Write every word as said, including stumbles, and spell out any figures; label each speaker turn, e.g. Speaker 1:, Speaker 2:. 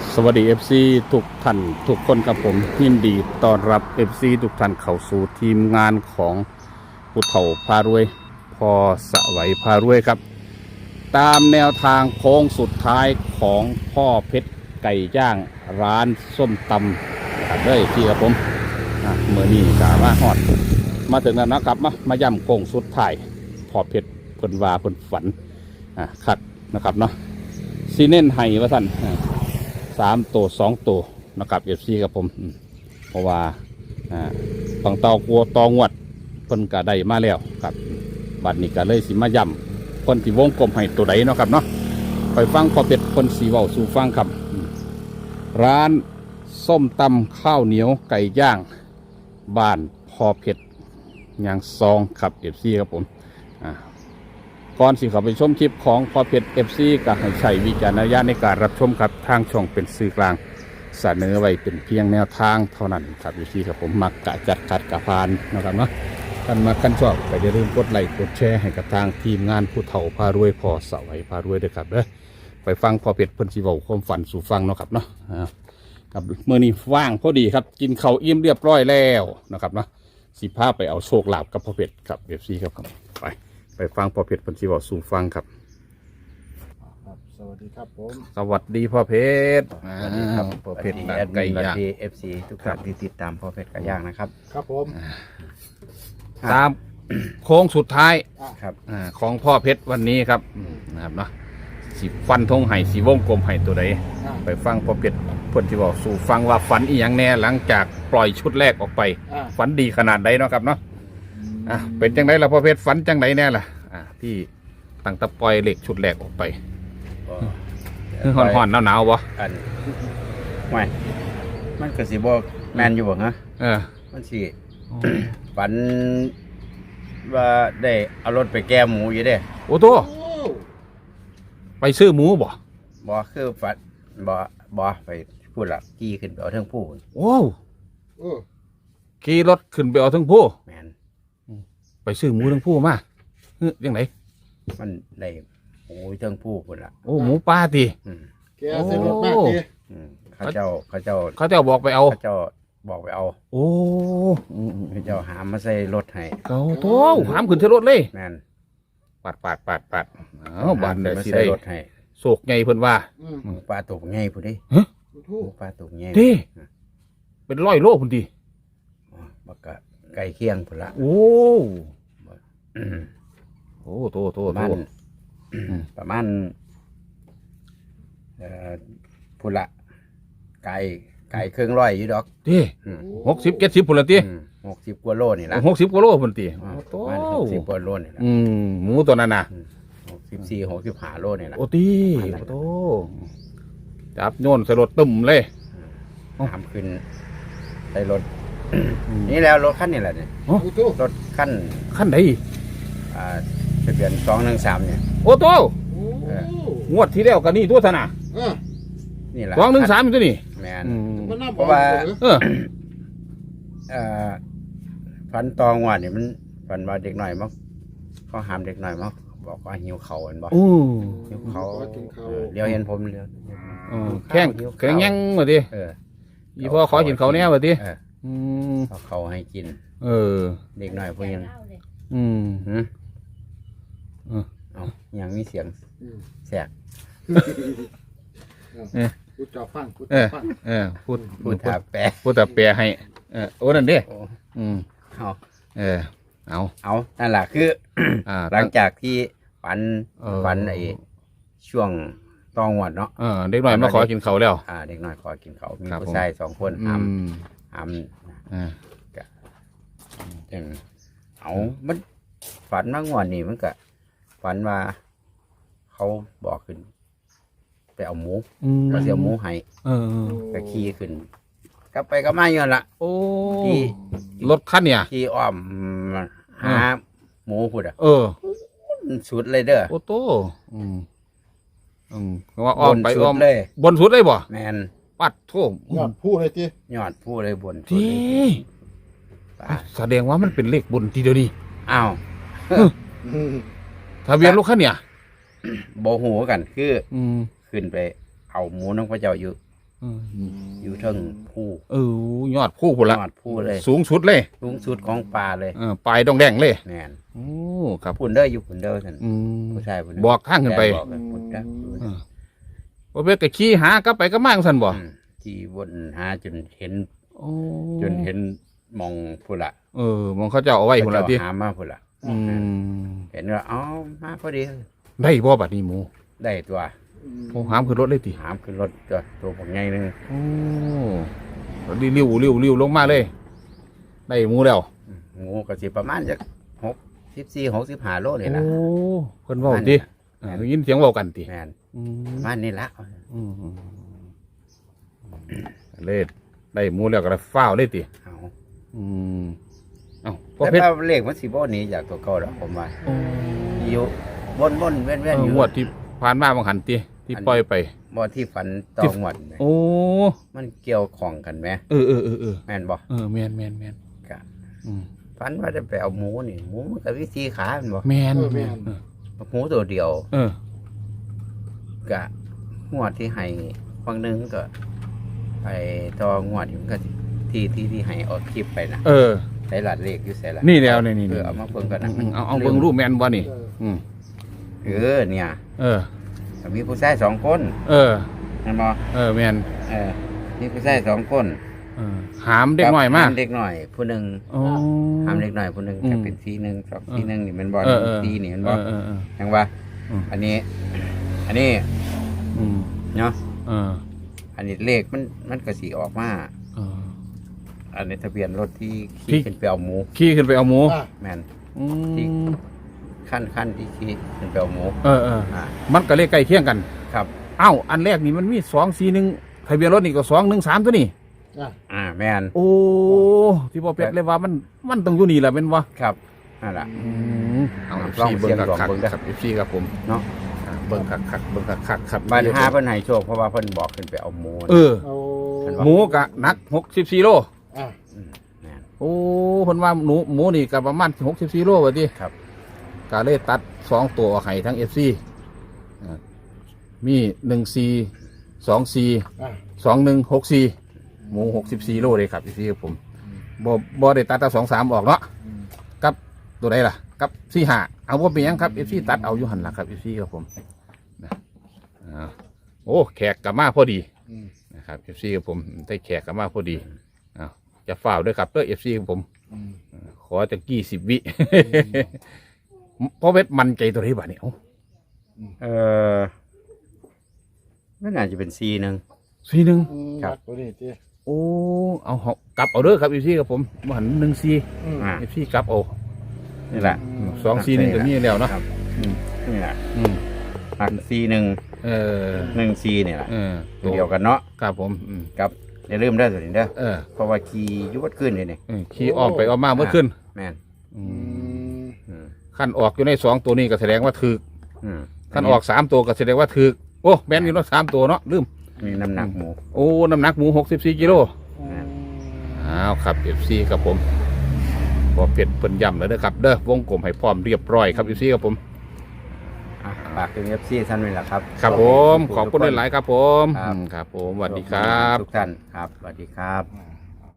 Speaker 1: สวัสดี เอฟ ซี ทุกท่านทุกคนครับผมยินดีต้อนรับ เอฟ ซี ทุกท่านเข้าสู่ทีมงานของผู้เฒ่าพารวยพอสวัยพารวยครับตามแนวทางโค้งสุดท้ายของพ่อเพชรไก่ย่างร้านส้มตำครับเลยที่ครับผมเมื่อนี้กามาฮอดมาถึงแล้วนะครับมามาย่ำโค้งสุดท้ายพ่อเพชรเพิ่นว่าเพิ่นฝันอ่าคัดนะครับเนาะซีเน้นไห้ว่าท่านสามตัวสองตัวนะครับเอฟซีครับผมเพราะว่าฝั่งเตากลัวตองวดเพิ่นก็ได้มาแล้วครับบัดนี้ก็เลยสิมาย่ำคนที่วงกลมให้ตัวใดเนาะครับเนาะไปฟังพอเป็ดคนสีเว้าสู่ฟังครับร้านส้มตำข้าวเหนียวไก่ย่างบ้านพอเพชรยางซองครับเอฟซีครับผมก่อนสิเข้าไปชมคลิปของพอเพชรเอฟซีก็ให้ใช้วิจารณญาณในการรับชมครับทางช่องเป็นสื่อกลางเสนอไว้เป็นเพียงแนวทางเท่านั้นครับเอฟซีครับผมมักกะจัดขัดกะพานนะครับเนาะท่านมาขั้นชอบก็อย่าลืมกดไลค์กดแชร์ให้กับทางทีมงานผู้เฒ่าพารวยพอสวัยพารวยด้วยครับเด้อไปฟังพอเพชรเพิ่นสิเว้าความฝันสู่ฟังเนาะครับเนาะครับเมื่อนี้ว่างพอดีครับกินข้าวอิ่มเรียบร้อยแล้วนะครับเนาะสิพาไปเอาโชคลาภกับพอเพชรครับเอฟซีครับไปไปฟังพ่อเพชรพันธิวสู่ฟังครับ
Speaker 2: สวัสดีครับผม
Speaker 1: สวัสดีพ่อเพชร
Speaker 3: สวัสดีครับ
Speaker 1: พ่อเพชร
Speaker 3: แอดมินดีเอฟซีทุกท่านที่ติดตามพ่อเพชรไก่ย่างนะครับ
Speaker 2: ครับผม
Speaker 1: ตามโค้งสุดท้าย
Speaker 3: ครับ
Speaker 1: ของพ่อเพชรวันนี้ครับนะครับเนาะสีฟันธงไห่สีวงกลมไห่ตัวใดไปฟังพ่อเพชรพันธิวสู่ฟังว่าฝันอีหยังแน่หลังจากปล่อยชุดแรกออกไปฝันดีขนาดใดเนาะครับเนาะอ่ะเป็นจังไดล่ะพ่อเพชรฝันจังไดแน่ล่ะอ่ะที่ตั้งตะปล่อยเหล็กชุดแรกออกไปคือห่อนๆหนาวๆบ่
Speaker 3: อันไม่มันก็สิบ่แมนอยู่บ่ฮะ
Speaker 1: เออ
Speaker 3: มันสิฝันว่าได้เอารถไปแก้หมูอยู่เด้
Speaker 1: โอ้โตไปซื้อหมูบ่
Speaker 3: บ่คือฝันบ่บ่ไปพูดละขี่ขึ้นไปเอาเทิงผู้
Speaker 1: โอ้ขี่รถขึ้นไปเอาเทิงผู้
Speaker 3: แมน
Speaker 1: ไปซื้อหมูเทิงผู้มาเฮ้ยยังไง
Speaker 3: มันได้หมูเทิงผู้พุ่นละ
Speaker 1: โอ้หมูป่าติ
Speaker 2: แกใส่รถมากติ
Speaker 3: เขาเจ้าเขาเจ้า
Speaker 1: เขาเจ้าบอกไปเอา
Speaker 3: เขาเจ้าบอกไปเอา
Speaker 1: โอ้
Speaker 3: เขาเจ้าหามมาใส่รถให้
Speaker 1: เขาโตหามขึ้นใส่รถเลย
Speaker 3: แมน
Speaker 1: ปาดปาดปาดปาดอ้าวบ้านได้สิได้
Speaker 3: รถให้
Speaker 1: โศกไงเพิ่นว่า
Speaker 3: ปลาตกไงพุ่นดิ
Speaker 1: ฮะ
Speaker 3: ปลาตกไง
Speaker 1: ดิเป็นร้อยโลพุ่นดิ
Speaker 3: บักกะไก่เคียงพุ่นละ
Speaker 1: โอ้โอ้โตโตโต
Speaker 3: ประมาณเอ่อพุ่นละไก่ไก่เครื่องร้อยอยู่ดอก
Speaker 1: ดิหกสิบเจ็ดสิบพุ่นละติ
Speaker 3: หกสิบกว่าโลนี่ละ
Speaker 1: หกสิบกว่าโลพุ่นติ
Speaker 3: โตหกสิบกว่าโลนี่ละ
Speaker 1: อืมหมูตัวนั้นน่ะ
Speaker 3: หกสิบสี่หกสิบห้าโลนี่ละ
Speaker 1: โอ้ติโตจับโยนใส่รถตึมเลย
Speaker 3: ทำขึ้นใส่รถนี่แล้วรถคันนี่แหละเนี่ยรถคัน
Speaker 1: คันไหน
Speaker 3: อ่าทะเบียนสองหนึ่งสามเนี่ย
Speaker 1: โอ้โตงวดที่แล้วกันนี่ตัวธนา
Speaker 3: นี่แหละ
Speaker 1: สองหนึ่งสามตัวนี่
Speaker 3: แมนเพราะว่าเออฟันตองวันเนี่ยมันฟันว่าเด็กหน่อยมั้งเขาหามเด็กหน่อยมั้งบอกว่าหิวเข่าอันบอกหิวเข่าเดี๋ยวเห็นผมเดี๋ยว
Speaker 1: แข้งแข้งยังมาดิอีพ่อขอกินเขาแน่มาดิ
Speaker 3: เขาเขาให้กิน
Speaker 1: เออ
Speaker 3: เด็กหน่อยพวกยัง
Speaker 1: อืม
Speaker 3: เอายังมีเสียงแสก
Speaker 2: พูดจอฟังพูด
Speaker 1: จอฟังเออพูด
Speaker 3: พูดถาแปร
Speaker 1: พูดถาแปรให้เออโอ้นั่นเด้อืม
Speaker 3: เอา
Speaker 1: เออเอา
Speaker 3: เอานั่นแหละคือหลังจากที่ฝันฝันไอ้ช่วงตองวัดเนาะ
Speaker 1: เออเด็กหน่อยมาขอกินเขาแล้ว
Speaker 3: อ่าเด็กหน่อยขอกินเขามีผู้ชายสองคนหามหามอ่ากะอย่างเอามันฝันมากกว่านี่มันก็ฝันว่าเขาบอกขึ้นไปเอาหมูเราเสียหมูให้ก็ขี่ขึ้นกลับไปก็มาอยู่ละ
Speaker 1: โอ้ที่รถคันเนี่ย
Speaker 3: ขี่อ้อมหาหมูพูดอ่ะ
Speaker 1: เออ
Speaker 3: สุดเลยเด้อ
Speaker 1: โอ้โตอืมอืมว่าอ้อมไปอ้อม
Speaker 3: เลย
Speaker 1: บนสุดเลยบ่
Speaker 3: แมน
Speaker 1: ปัดโถ่
Speaker 2: ยอดผู้เลยจี
Speaker 3: ยอดผู้เลยบน
Speaker 1: ที่แสดงว่ามันเป็นเลขบนทีเดียวนี่
Speaker 3: อ้าว
Speaker 1: ทะเบียนรถคันเนี่ย
Speaker 3: โบหูกันคือขึ้นไปเอาหมูน้องพระเจ้าอยู่
Speaker 1: อืม
Speaker 3: อยู่เทิงผู้
Speaker 1: เออยอดผู้พุ่นละ
Speaker 3: ยอดผู้เลย
Speaker 1: สูงสุดเลย
Speaker 3: สูงสุดของป่าเลย
Speaker 1: เออปลายดองแดงเลย
Speaker 3: แม่น
Speaker 1: โอ้ครับ
Speaker 3: พุ่นเด้ออยู่พุ่นเด้อท่าน
Speaker 1: อืม
Speaker 3: ผู้ชายพุ่นเด้
Speaker 1: บอกทางขึ้นไป
Speaker 3: บอกกันพุ่นเด้อ
Speaker 1: เออบ่เป็นก็ขี่หากลับไปก็มาจังซั่นบ่
Speaker 3: อืมที่วนหาจนเห็น
Speaker 1: โอ้
Speaker 3: จนเห็นมองพุ่นละ
Speaker 1: เออมองเขาเจ้าเอาไว้พุ่นละติ
Speaker 3: เขาเจ้าหามาพุ่นละ
Speaker 1: อืม
Speaker 3: เห็นว่าเอ้ามาพอดี
Speaker 1: ได้บ่บัดนี้หมู
Speaker 3: ได้ตัว
Speaker 1: โอ้หามขึ้นรถเลยติ
Speaker 3: หามขึ้นรถตัวตัวผมใหญ่หนึง
Speaker 1: โอ้ริ้วริ้วริ้วริ้วลงมาเลย ได้หมูแล้ว
Speaker 3: งูก็สิประมาณจากหกสิบสี่หกสิบห้าโลนี่
Speaker 1: โอ้
Speaker 3: ละ
Speaker 1: เพิ่นเว้าติเออได้ยินเสียงเว้ากันติ
Speaker 3: แม่น
Speaker 1: อืม
Speaker 3: ประมาณนี้ละ
Speaker 1: อืมเลยได้หมูแล้วก็ได้ฟ้าวเลยติ
Speaker 3: เอา
Speaker 1: อืมเอ้าพ่อ
Speaker 3: แต่
Speaker 1: เพชร
Speaker 3: ว่าเลขมันสิบ่หนี้จากตัวเก่าดอกผมว่าอยู่บนบนๆแว่น
Speaker 1: เอ
Speaker 3: แว่น
Speaker 1: อ
Speaker 3: อยู่
Speaker 1: งวดที่ผ่านมาบางหันติที่ปล่อยไป
Speaker 3: บ่ที่ฝันตองหมดแหม
Speaker 1: โอ้
Speaker 3: มันเกี่ยวของกันไหม
Speaker 1: เออเออเออเออ
Speaker 3: แม่นบ่
Speaker 1: เออแม่นแม่นแม่น
Speaker 3: กะ
Speaker 1: อืม
Speaker 3: ฝันว่าจะไปเอาหมูนี่หมูมันก็วิธีขาแม่นบ่
Speaker 1: แม่นแม่น
Speaker 3: หมูตัวเดียว
Speaker 1: เออ
Speaker 3: กะงวดที่ให้ฟังหนึงก็ไปต่องวดอยู่มันก็สิที่ที่ที่ให้ออกคลิปไปนะ
Speaker 1: เออ
Speaker 3: ใส่หลัดเลขอยู่ใส่หลัด
Speaker 1: นี่แล้วนี่นี่
Speaker 3: เออเอามาเบิ่งกัน
Speaker 1: อื
Speaker 3: นะ
Speaker 1: มอืมเอาเอาเบิ่งรูปแม่นบ่นี่
Speaker 2: เออ
Speaker 1: อืม
Speaker 3: เออเนี่ย
Speaker 1: เออ
Speaker 3: มีผู้ชายสองคน
Speaker 1: เออ
Speaker 3: เห็นบ่
Speaker 1: เออแม่น
Speaker 3: เออมีผู้ชายสองคน
Speaker 1: เออหามเด็กหน่อยมา
Speaker 3: หเด็กหน่อยผู้หนึ่ง
Speaker 1: โอ้
Speaker 3: หามเด็กหน่อยผู้หนึ่ง
Speaker 1: อืม
Speaker 3: จะเป็นสีหนึ่งสองสีหนึ่งนี่มันบอล
Speaker 1: เออเออ
Speaker 3: สีนี่มัน
Speaker 1: เอบ
Speaker 3: อ
Speaker 1: อ
Speaker 3: ล
Speaker 1: เออเออ
Speaker 3: ยังว่า
Speaker 1: อืม
Speaker 3: อันนี้ อันนี้
Speaker 1: อืม
Speaker 3: เนาะ
Speaker 1: เออ
Speaker 3: อันนี้เลขมันมันก็สีออกมา
Speaker 1: เออ
Speaker 3: อันนี้ทะเบียนรถที่
Speaker 1: ที่
Speaker 3: ขี่ขึ้นไปเอาหมู
Speaker 1: ขี่ขึ้นไปเอาหมู
Speaker 2: อ่ะ
Speaker 3: แมน
Speaker 1: อื
Speaker 3: ที่
Speaker 1: ม
Speaker 3: ขั้นขั้นที่ขี่ขึ้นไปเอาหมู
Speaker 1: เออเออ
Speaker 3: อ่า
Speaker 1: มันก็เลขใกล้เคียงกัน
Speaker 3: ครับ
Speaker 1: เอ้าอันแรกนี่มันมีสองสี่หนึ่งทะเบียนรถนี่ก็สองหนึ่งสามตัวนี่
Speaker 2: อ่ะ
Speaker 3: อ่าแมน
Speaker 1: โอ้ที่พ่อเพชรเลยว่ามันมันต้องอยู่นี่แหละเป็นวะ
Speaker 3: ครับนั่นแหละ
Speaker 1: อืมเอา
Speaker 3: ลอง
Speaker 1: เบิ้ง
Speaker 3: เสียง
Speaker 1: คัก
Speaker 3: ลอง
Speaker 1: คัก
Speaker 3: เบิ่งเด้อ
Speaker 1: ครับเอฟซีครับผม
Speaker 3: เนาะ
Speaker 1: อ่าเบิ้งคักคักเบิ้งคักคักครับ
Speaker 3: บ้านห้าเพิ่นให้โชคเพราะว่าเพิ่นบอกขึ้นไปเอาหมู
Speaker 1: เออ
Speaker 2: เอา
Speaker 1: หมูกะหนักหกสิบสี่โล
Speaker 2: อ่ะ
Speaker 3: มแม่น
Speaker 1: โอ้คนว่าหนูหมูนี่กับประมาณหกสิบสี่โลว่าดิ
Speaker 3: ครับ
Speaker 1: กาเลยตัดสองตัวไข่ทั้งเอฟซีมีหนึ่งซีสองซี
Speaker 2: อ่ะ
Speaker 1: สองหนึ่งหกซีหมูหกสิบสี่โลเลยครับเอฟซีครับผมบ่บ่ได้ตัดแต่สองสามออกเนาะ
Speaker 2: อืม
Speaker 1: กับตัวใดล่ะ กับสี่ห้าเอาว่าเป็นหยังครับเอฟซีตัดเอาอยู่หันหลักครับเอฟซีครับผมนะอ่าโอ้แขกกลับมาพอดี
Speaker 2: อืม
Speaker 1: นะครับเอฟซีครับผมได้แขกกลับมาพอดีอ้าวจะฝ่าวด้วยครับเพื่อเอฟซีครับผม
Speaker 2: อืม
Speaker 1: ขอจะกี่สิบวิ เพราะเวทมันใจตัวนี้บ้านี่เอ้า
Speaker 3: เออไม่น่าจะเป็นซีหนึ่ง
Speaker 1: สี่หนึ่ง
Speaker 2: อืม
Speaker 3: ครับ
Speaker 2: ตัวนี้จี
Speaker 1: โอ้เอาเหาะกลับเอาเด้อครับเอฟซีครับผมมาหันหนึ่งซี
Speaker 2: อืม
Speaker 3: อ่า
Speaker 1: เอฟซีกลับเอา
Speaker 3: นี่แหละ
Speaker 1: สองซีหนึ่งก็มีแล้วเนาะ
Speaker 3: ครับ
Speaker 1: อืม
Speaker 3: นี่แหละ
Speaker 1: อืม
Speaker 3: หักซีหนึ่ง
Speaker 1: เออ
Speaker 3: หนึ่งซีเนี่ยแหละ
Speaker 1: เออ
Speaker 3: ตัวเดียวกันเนาะ
Speaker 1: ครับผมอืม
Speaker 3: กับอย่าลืมได้อตัวนี้เด้อ
Speaker 1: เออ
Speaker 3: เพราะว่าขี่อยุบดขึ้นเลยนี่
Speaker 1: เออขี่ออกไปออกมาเมื่อขึ้น
Speaker 3: แม่น
Speaker 1: อื
Speaker 2: อื
Speaker 1: ม
Speaker 2: ม
Speaker 3: อืม
Speaker 1: ขั้นออกอยู่ในสองตัวนี้ก็แสดงว่าถือ
Speaker 3: อืม
Speaker 1: ขั้นออกสามตัวก็แสดงว่าถือโอ้แม่นอยู่เนาะสามตัวเนาะลืม
Speaker 3: มีน้ำหนักหมู
Speaker 1: โอ้น้ำหนักหมูหกสิบสี่กิโล
Speaker 2: อืม
Speaker 1: อ้าวครับเอฟซีครับผมพอเป็ดเพิ่นย่ำแล้วเด้อครับเด้อวงกลมให้พร้อมเรียบร้อยครับเอฟซีครับผม
Speaker 3: อ่ะฝากถึงเอฟซีท่านนี่แหละครับ
Speaker 1: ครับผมขอบคุณหลายๆครับผม
Speaker 3: ครับ
Speaker 1: อืมครับผมสวัสดีครับ
Speaker 3: ทุกท่านครับสวัสดีครับ
Speaker 2: อ่า